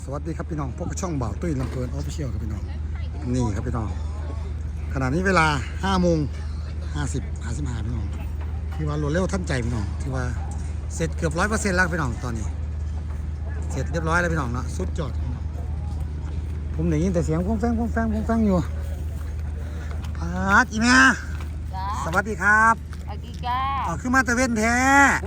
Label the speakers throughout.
Speaker 1: สวัสดีครับพี่น้องพวกช่องบ่าวตุ้ยลำเพลินออฟฟิเชียลครับพี่น้องนี่ครับพี่น้องขณะนี้เวลา5 โมง 55พี่น้องที่ว่ารวดเร็วทันใจพี่น้องที่ว่าเสร็จเกือบ100%แล้วพี่น้องตอนนี้เสร็จเรียบร้อยแล้วพี่น้องเนาะสุดยอดผมได้ยินแต่เสียงฟ้องแฟงอยู่อีแม่สวัสดีครับขึ้นมาตะเวนแท้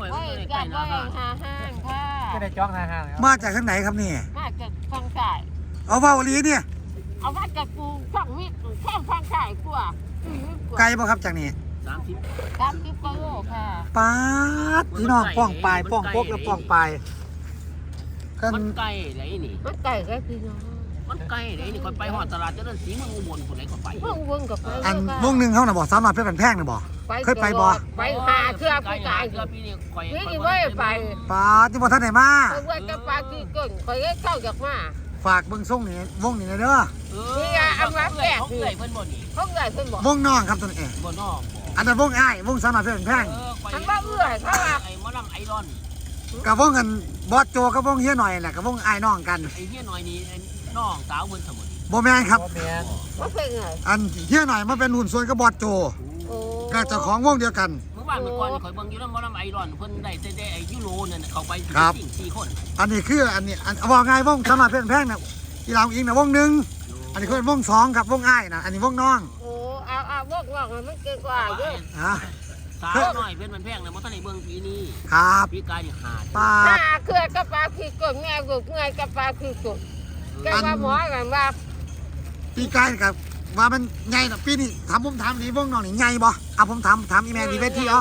Speaker 2: ก็ได้จ้องห่างๆ
Speaker 1: มาจากทางไหนครับนี่
Speaker 3: มาจากฟังสาย
Speaker 1: เอาเบาลีเนี่ย
Speaker 3: เอามาจากกูฟังวิทย์แค่ฟังสายกว่า
Speaker 1: ไกลป่ะครับจากนี่
Speaker 3: 30กิโลค่ะ
Speaker 1: ป๊าดพี่น้องป้องปลายป้องปกแล้วป้องปลาย
Speaker 2: มันไกลไหนนี่
Speaker 3: มันไก่ก็พี่น้อง
Speaker 2: มันไกลไหนนี่คนไปหอดตลาดเจริญศรีเมืองอุบลคนไหนก็ไป
Speaker 3: เมืองอุบลก็ไป
Speaker 1: อันวงหนึ่งเขาน่ะบอกสามารถเพื่อนแพงน่ะบอกเคยไปบ่
Speaker 3: ไปหาเชือกผู้ชายนี่ไม่ไป
Speaker 1: ป๊าดที่บ่ท่านไหนมา
Speaker 3: เพื่อนจะปลาที่ก้นคอยเข้าจากมา
Speaker 1: ฝากเบิ่งส่งนี่วงนี่เด้อ
Speaker 3: นี่เอามาแปะ
Speaker 2: เขาใหญ่เพิ่นบ่นี่
Speaker 3: เขาใหญ่เพิ่นบ่
Speaker 1: วงน้องครับตัวนี้
Speaker 2: บ่น้อง
Speaker 1: อันนั้นวงอ้ายวงสามารถเพื่อนแพง
Speaker 3: มันว่าเอื้อยเขาว่า
Speaker 2: ไอ้มอลำไอรอน
Speaker 1: กับวงกันบอสโจกับวงเฮียหน่อยแหละกับวงอ้ายน้องกัน
Speaker 2: ไอ้เฮียหน่อยนี่น้องสาวเพิ่นสมุน
Speaker 1: บ่แม่นครับ
Speaker 3: บ่เป็นไง
Speaker 1: อันเฮียหน่อยมาเป็นหุ่นส่วนกับบอสโจก็เจ้าของวงเดียวกัน
Speaker 2: เมื่อวานเมื่อก่อนข่อยเบิ่งอยู่นำมอลำไอรอนเพิ่นได้แต่ไอ้ยูโรนั่นเขาไป4 คน
Speaker 1: อันนี้คืออันนี้ว่าไงวงสามารถเพื่อนแพงน่ะอีหลาอิงน่ะวงหนึ่งอันนี้คือวง2ครับวงอ้ายน่ะอันนี้วงน้อง
Speaker 3: เอาวงมันเก่งกว่าเยอะ
Speaker 2: สาวน้อยเป็นมันแพงนะบ่ทันได้เบิ่งปีนี้
Speaker 1: ครับ
Speaker 2: ปีกายนี่ขาด
Speaker 1: ป้า
Speaker 3: เคยกับปลาขี้กดแม่กูไงกับปลาขี้กดแกว่าหมอกันว่า
Speaker 1: ปีกายกับว่ามันใหญ่น่ะปีนี้ผมถามดีวงน้องนี่ใหญ่บ่ผมถามอีแม่ดีเวที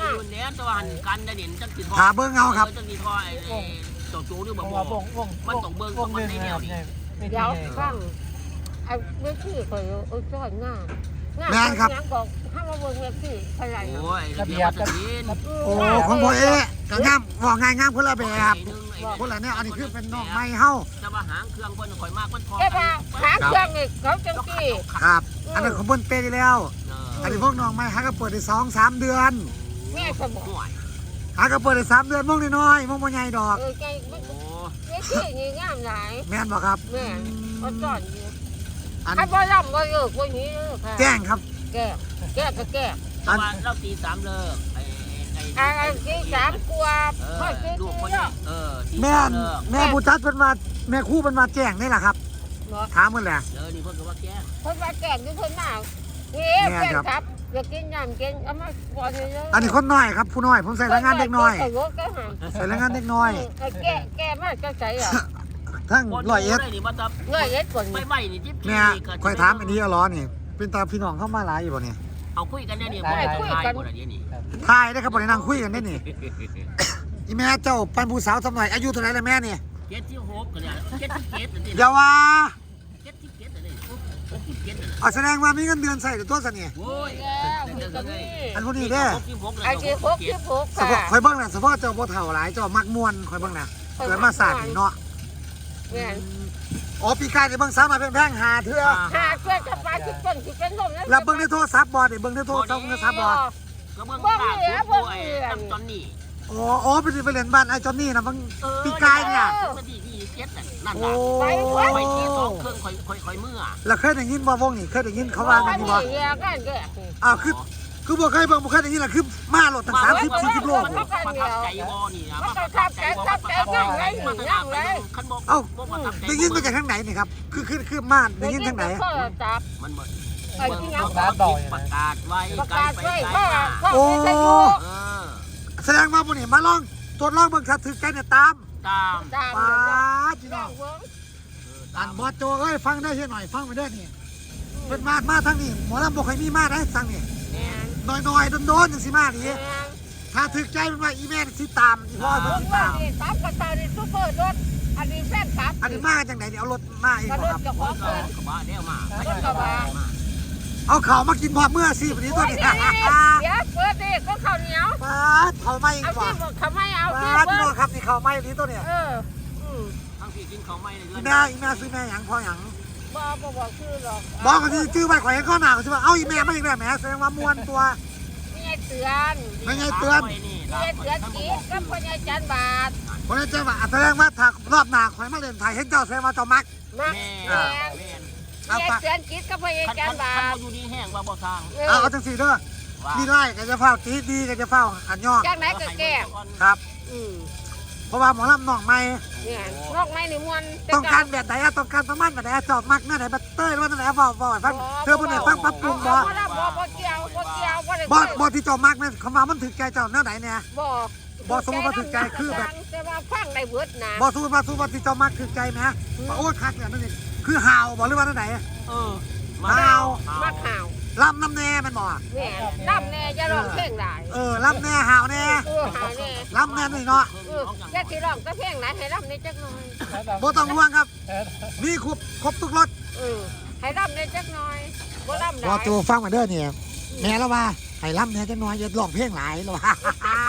Speaker 1: ถาเบิ่งเอาครับ
Speaker 2: จังสิทอไอ้โจโจ้หรือบ่มันต้องเบิ่งต้องมันได้แนวนี้
Speaker 3: เดี๋ยวฟังไอ้เวทีข่อยสอนงานยังบอกถ้ามาเบิ่งเวทีอะไร
Speaker 2: โอ้ยระเบียบ
Speaker 1: ของพ่อเอ๊ะก็งามว่าง่ายงามคนละแบบคนละเนี่ยอันนี้คือเป็นน้องไม้เฮา
Speaker 2: จะมาหางเครื่องเพิ่นข่อยมากมันพอ
Speaker 3: หางเครื่องนี่เขาจังซี่
Speaker 1: ครับอันนั้นของเพิ่นเปย์แล้วอันนี้พวกน้องไม้หาก็เปิดได้2-3 เดือน
Speaker 3: แม่สมอง
Speaker 1: หาก็เปิดได้3 เดือนวงน้อยๆวงบ่ใหญ่ดอก
Speaker 3: ใจเวทีนี่งามหลาย
Speaker 1: แม่นบ่ครับ
Speaker 3: แม่ก็สอนอยู่ถ้าบ่รำบ่เลิกบ่นี้ค่ะ
Speaker 1: แจ้งครับ
Speaker 3: แก้ก็แก้
Speaker 2: อันเราตี3เลิก
Speaker 3: ไอ้ตี3กว่าพ่อตี
Speaker 1: แม่ผู้จัดเพิ่นว่าแม่ครูเพิ่นมาแจ้งนี่แหละครับถามเพิ่นแหละ
Speaker 2: นี่เพิ่นก็ว่าแจ้ง
Speaker 3: เพิ่นว่าแจ้งอยู่เพิ่นมานี่แจ้งครับอยากกินน้ำกินเอามาบ่ได้เลย
Speaker 1: อันนี้คนน้อยครับผู้น้อยผมใส่แรงงานเด็กน้อยใส่แรงงานเด็กน้อย
Speaker 3: แก้มาจะใส่อ่ะ
Speaker 1: ทั้ง101
Speaker 3: ก่อน
Speaker 2: ไม่นี่จิ๊บ
Speaker 1: แม่ค่อยถามอันนี้ล้อนี่เป็นตาพี่น้องเข้ามาหลายอยู่บ่นี่
Speaker 2: เอาคุยกันเนี่ยบ่ได้คุยกันบ่ได้นี่
Speaker 1: ทายได้ครับบ่ได้นั่งคุยกันได้นี่อีแม่เจ้าเป็นผู้สาวสมัยอายุเท่าไหร่แล้วแม่นี่
Speaker 2: 76กันเนี่ย77
Speaker 1: อย่าว่า
Speaker 2: 77เลย
Speaker 1: แสดงว่ามีเงินเดือนใส่ตัวซะนี่
Speaker 2: โอ้ย
Speaker 1: อันพวกนี้เด้
Speaker 3: ไอ้66ค่ะ
Speaker 1: ข่อยเบิ่งน่ะเฉพาะเจ้าบ่เฒ่าหลายเจ้ามักม่วนข่อยเบิ่งน่ะเกิดมาศาสตร์นี่เนาะ
Speaker 3: แม่
Speaker 1: ปีกายนี่เบิ่งสามารถแพงหาเทื่อ
Speaker 3: เพื่อจะปลาที่ต้นที่เป็นลม
Speaker 1: แล้วเบิ่งในโทรศัพท์บ่ได้เบิ่งในโทรศัพท์บ่
Speaker 2: ก็เบิ่งข่าวผู้ไอ้ตอนนี้
Speaker 1: ไปเล่นบ้านไอ้จอนนี่นะบางปีกายเนี่ย
Speaker 2: นั่นน่ะไปที่2เครื่องค่อยเมื่อ
Speaker 1: แล้วเคยได้ยินบ่วงนี่เคยได้ยินเขาว่ากันนี่บ่คือบ่เคยเบิ่งบ่เคยได้ยินล่ะคือมาโลดตั้ง30-40 โล
Speaker 2: ประทับใจบ่นี่นะ
Speaker 3: ประทับใจนั่งเลย
Speaker 2: คันบ่
Speaker 1: ได้ยินมาจากทางไหนนี่ครับคือมาได้ยินทางไหน
Speaker 2: มันบ่ประกาศไว้
Speaker 1: โอ้แสดงว่าพวกนี้มาลองตรวจลองเบิ่งถ้าถึกใจเนี่ยตามป้าพี่น้องอันบอสโจเอ้ยฟังได้เฮียหน่อยฟังไปได้นี่เป็นมาทั้งนี้หมอลำบ่เคยมีมาได้สั่งนี่น้อยโดนจังสิมานี่ถ้าถึกใจมันว่าอีแม่สิตามอีพ่อสิตาม
Speaker 3: กระตานี่ซุปเปอร์รถอันนี้แฟนคลับ
Speaker 1: อันนี้มาจังไหนนี่เอารถมาอีกครับ
Speaker 2: กระบะแนวมา
Speaker 1: เอาเข่ามากินพอเมื่อสิวันนี้ตัวนี้
Speaker 3: เดี๋ยวเปิดดิก็ข้าวเหนียว
Speaker 1: ป้าเข่าไม่อีกว่า
Speaker 3: ข้าวไม่เอา
Speaker 1: ป้าพี่น้องครับนี่เข่าไม่นี้ตัวเนี่ย
Speaker 2: ทั้งพี่กินข้าวไม่เลย
Speaker 1: อีแม่ซื้อแม่หยังพอหยัง
Speaker 3: บอกชื่อหรอก
Speaker 1: บอกกันที่ชื่อไปข่อยข้อหนาใช่ไหมเอาอีแม่ไม่อีแม่แม่แสดงว่าม้วนตัว
Speaker 3: ไม่ใช่เตือน
Speaker 1: ไม่ใช่เตือน
Speaker 3: กีดกับพญาจันบาท
Speaker 1: คนนี้เจ้าว่าแสดงว่าถ้ารอบหน้าข่อยมาเล่นไทยเห็นเจ้าแสดงว่าเจ้ามัก
Speaker 3: มา
Speaker 2: แม่
Speaker 3: แม่
Speaker 2: แม่
Speaker 1: เอา
Speaker 3: เสีย
Speaker 1: ฝาก
Speaker 3: เสียนกิจกับพยา
Speaker 2: คัน
Speaker 3: การบา
Speaker 2: คันอยู่ดีแห้งว่าบ่สร้าง
Speaker 1: เอาจังสี่เด้อดีไล่ก็จะเฝ้าตีดีก็จะเฝ้าอันย่อง
Speaker 3: จากไหนก็แก้
Speaker 1: ครับ
Speaker 3: อืม
Speaker 1: เพราะว่าหมอลำน้องใหม่
Speaker 3: เนี่ยนอกไม้ในมวน
Speaker 1: ต้องการแบบไหนต้องการประมาณแบบไหนจอบมักหน้าไหนบัตเตอร์หรือว่าหน้าไหนเฝ้าให้ฟังเธอผู้ไหนฟังปรับปรุงบ่
Speaker 3: บ่เกี่ยวได้
Speaker 1: บ่ที่จอบมักนั่นคำว่ามันถึงใจเจ้าหน้าไหนเนี่ย
Speaker 3: บ่
Speaker 1: บ่สมมุติว่าถึงใจคือแบบ
Speaker 3: แต่ว่าฟังได้เบิดนะ
Speaker 1: บ่สู้มาสู้มาที่จอบมักถึงใจไหมโอ้คักเนี่ยนั่นเองคือห่าวบ่หรือว่าหน้าไหน
Speaker 2: เออ
Speaker 1: ห่าว
Speaker 3: มาข่าว
Speaker 1: ลำน้ำแน่มันบ่
Speaker 3: แม่ล่ำแน่จะร้องเพลงหลาย
Speaker 1: ลำแน่ห่าวแน่
Speaker 3: หาแน่
Speaker 1: ลำแน่นี่เนาะ
Speaker 3: แค่ที่ร้องก็เพลงหลายให้ล่ำในจักหน่อย
Speaker 1: บ่ต้องห่วงครับมีครบทุกรถ
Speaker 3: ให้ล่ำในจักหน่อยบ่ล่ำหลาย
Speaker 1: บ่ตัวฟังมาเด้อเนี่ยแม่แล้วว่าให้ลำแน่จังน้อยอย่าร้องเพลงหลายแล้วว่า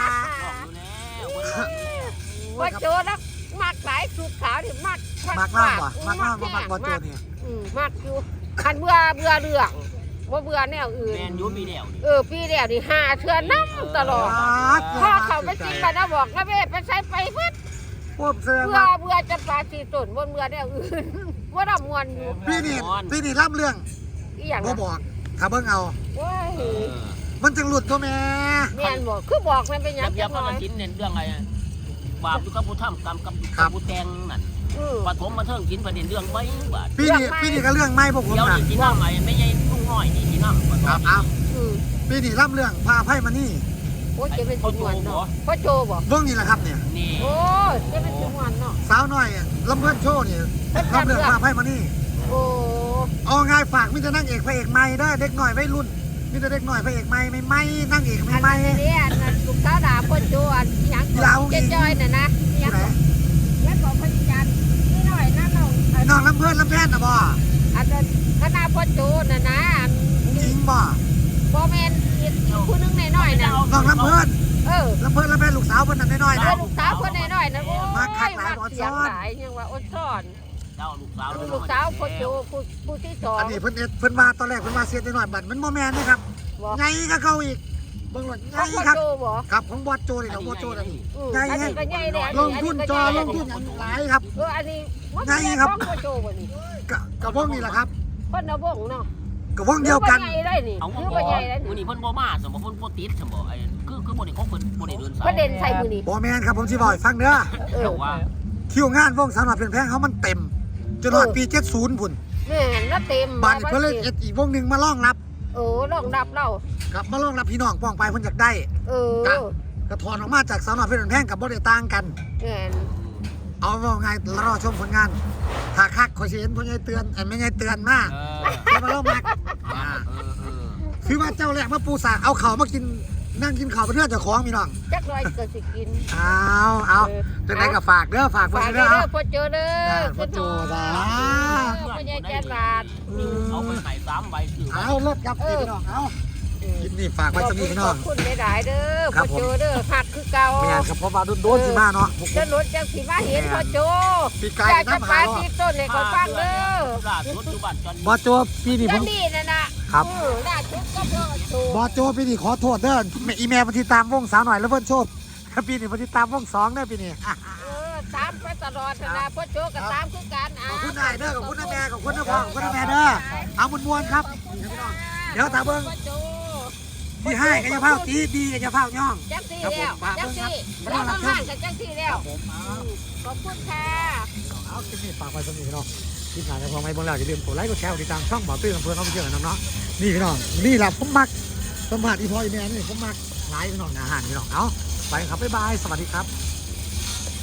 Speaker 3: ว่าโจนักมากหลายสุดขาวนี่มาก
Speaker 1: มักล่ำบ่มักล่ำบ่มักบ่โจเนี่ย
Speaker 3: มากอยู่คันเบื่อเรื่องว่าเบื่อแนวอื่น
Speaker 2: แมนยูปีเดียว
Speaker 3: ปีเดียวนี่5เทื่อน้ำตลอดพ่อเขาไปกินไปนะบอกนะเว้ไปใช้ไปเพิ่น
Speaker 1: พวกเสื้อ
Speaker 3: เบื่อจะปลาสีต้นบนเบื่อแนวอื่นว่าดำมวนอยู่
Speaker 1: พี่นี่รับเรื่อง
Speaker 3: อีหยัง
Speaker 1: บ่บอกถ้าเบิ่งเอา
Speaker 3: ว้าย
Speaker 1: มันจังหลุดตัวแม่
Speaker 3: แม่นบอกคือบอกมันเป็นหยั
Speaker 2: ยั
Speaker 3: ง
Speaker 2: บ
Speaker 3: จั
Speaker 2: ยั
Speaker 3: ง
Speaker 2: บ
Speaker 3: น้
Speaker 2: มา
Speaker 3: อย
Speaker 2: กินเนี่ยเรื่องอะไรบาปอยู่กับผู้ทำกรรมกับผู้แตงนั่นปฐมมาเทิงกินประเด็นเรื่องไว้บาด
Speaker 1: พี่นี่ก็เรื่องไม่พวกผม
Speaker 2: เดี๋ยว
Speaker 1: นะ
Speaker 2: นี่ที่น้ำใหม่ไม่ใช่ลุงน้อยนี่ที่น้ำ
Speaker 1: ครับเอาพี่นี่รับเรื่องพาไพ่มานี่
Speaker 3: โอ้จะเป็นสิมวนเนาะพ่อโจบอก
Speaker 1: เบิ่งนี่แหละครับเนี่ย
Speaker 2: นี่
Speaker 3: โอ้จะเป็นสิมวนเนาะ
Speaker 1: สาวน้อยลำเพื่อนโชว์นี่รับเรื่องพาไพ่มานี่
Speaker 3: โอ้
Speaker 1: เอาง่ายฝากมิจะนั่งเอกพระเอกใหม่ได้เด็กหน่อยวัยรุ่นมิจะเด็กหน่อยพระเอกใหม่ไม่นั่งเอก
Speaker 3: อัน
Speaker 1: ใหม่
Speaker 3: นี้อันลูกสาวด่าพ่อโจอันหยังเจ๊จอยน่ะนะหยังแล้วก็พยัญนี่หน่อยนะน้อง
Speaker 1: น้องลำเพื่อนลำแพนนะบ่
Speaker 3: อันนั้นคณะพ่อโจน่ะนะ
Speaker 1: หญิงบ่
Speaker 3: บ่แม่นอีกผู้นึงน้อยๆน่ะ
Speaker 1: น้องลำเพื่อน
Speaker 3: ล
Speaker 1: ลำเพื่อนลำแพนลูกสาวเพิ่นนั่นน้อยๆนะ
Speaker 3: ลูกสาวคนน้อยๆนะโอ้ย
Speaker 1: มาคักหลายบ่
Speaker 3: เสียง
Speaker 1: ซ่อน
Speaker 3: หลายยังว่าอดซ่อน
Speaker 2: เจ้าลูกสาว
Speaker 3: ลูกสาวพ่อโจผู้ที่สอง
Speaker 1: อันนี้เพิ่นว่าตอนแรกเพิ่นว่าเสียน้อยบัดมันบ่แม่นนะครับ
Speaker 3: บอก
Speaker 1: ไงก็เข้าอีกเบิ่งหลดไง
Speaker 3: พ่อ
Speaker 1: ครับ
Speaker 3: โจบอก
Speaker 1: ครับของบอสโจนี่ของบอสโจนี่
Speaker 3: อันนี้ก็ใหญ่แหละ
Speaker 1: ลงทุนจอลงทุนอย่างหลายครับ
Speaker 3: อันนี้พ่อโจบ่นี่
Speaker 1: กับวงนี่แหละครับ
Speaker 3: เพิ่นเอาบ่งเนาะ
Speaker 1: กับวงเดียวกัน
Speaker 3: ใหญ่ได้นี่
Speaker 2: เอา
Speaker 3: คือบ่ใหญ่ได้
Speaker 2: มือ
Speaker 3: นี่
Speaker 2: นี่เพิ่นบ่มาสมบ่เพิ่นบ่ติดสมบ่ไอ้คือบ่ได้ของเพิ่นบ่ได้เดินสาย
Speaker 3: ประเด็นใส่มือนี่
Speaker 1: บอแมนครับผมสิบอกให้ฟังเด้อ
Speaker 2: แต่ว่า
Speaker 1: คิวงานวงสาวน้อยเปลี่ยนแพงเขามันเต็มจนหอดปี70พุ่น
Speaker 3: แม่นแล้วเต็ม
Speaker 1: บ้านเพิ่นเลยเอ็ดอีกวงหนึงมาล่องรับ
Speaker 3: ลองดับเรา
Speaker 1: ครับมาล่องรับพี่น้องป้องไปเพิ่นอยากได้ กระถอนออกมาจากสาวน้อยเปลี่ยนแพงกับบ่ได้ต่างกัน
Speaker 3: แม่น
Speaker 1: เอาว่าไงรอชมผลงานถ้าคักขอยสิเห็นพ่อใหญ่เตือนไม่ใหญ่เตือนมาจะมาเล่ามักคือว่าเจ้าแรกมาปูสาเอาเข่ามากินนั่งกินเข่าเป็นเพื่อนเจ้าของพี่น้อง
Speaker 3: จักหน่อยก็สิกิน
Speaker 1: เอาจะได้กับฝากเด้อฝาก
Speaker 3: ฝาก
Speaker 1: เด้
Speaker 3: เด้
Speaker 1: อ
Speaker 3: อพ่อโจเด้อ
Speaker 1: พ่อโจจ้า
Speaker 3: พ่อใหญ่แก่ลาด
Speaker 2: เอาไปใส่3ใบถือ
Speaker 1: เอารถครับพี่น้องเอากินนี่ฝากไว้สมีพี่น้อง
Speaker 3: ขอบคุณหลายๆเด้อพ่อโจเด้อหักคือเก่า
Speaker 1: แม่นครับเพราะว่าโดนสิมาเนาะ
Speaker 3: จะรถจังสิมาเห็นพ่อโจ
Speaker 1: ปีไก่
Speaker 3: อยากจะ
Speaker 1: น้ำ
Speaker 3: ปา
Speaker 1: หา
Speaker 3: ที่ต้นเลยก็ฟังเด้อ
Speaker 2: ล่าสุดอยู่บ้านจัน
Speaker 1: บอโจปีนี้ผ
Speaker 3: จั
Speaker 1: ม
Speaker 3: นนี่น่ะนะครับ ล่าสุดก็พ่อโจ
Speaker 1: บอโจปีนี้ขอโทษเด้ออีเมลมาติดตามวงสาวหน่อยแล้วเพิ่นโชคปีนี้มาติดตามวง2เด้อปีนี้
Speaker 3: ตามไปตลอดนะพ่อโจก็ตามคือกัน
Speaker 1: ขอบคุณนายเด้อขอบคุณน้าแม่ขอบคุณน้าพ่อขอบคุณน้าแม่เด้อเอามวนๆครับเดี๋ยวตาเบิ่ง
Speaker 3: พ่อโจ
Speaker 1: ที่ให้ก็จะเผาตีดีก็จะเผาย่อง
Speaker 3: จังซี่แล้วจังซี่แล้วทำงานกันจังซี่แล้วขอบคุณค่ะ
Speaker 1: เอาคลิปนี้ฝากไว้สมีพี่น้องคลิปหน้าจะพอไหมบ่แล้วอย่าลืมกดไลค์กดแชร์กดติดตามช่องบ่าวตื้ออำเภอเขาไปเที่ยวกันน้ำเนาะนี่พี่น้องนี่แหละผมมักสัมผัสอีพออีแม่นี่ผมมักหลายพี่น้องอาหารพี่น้องเอาไปครับบ๊ายบายสวัสดีครับ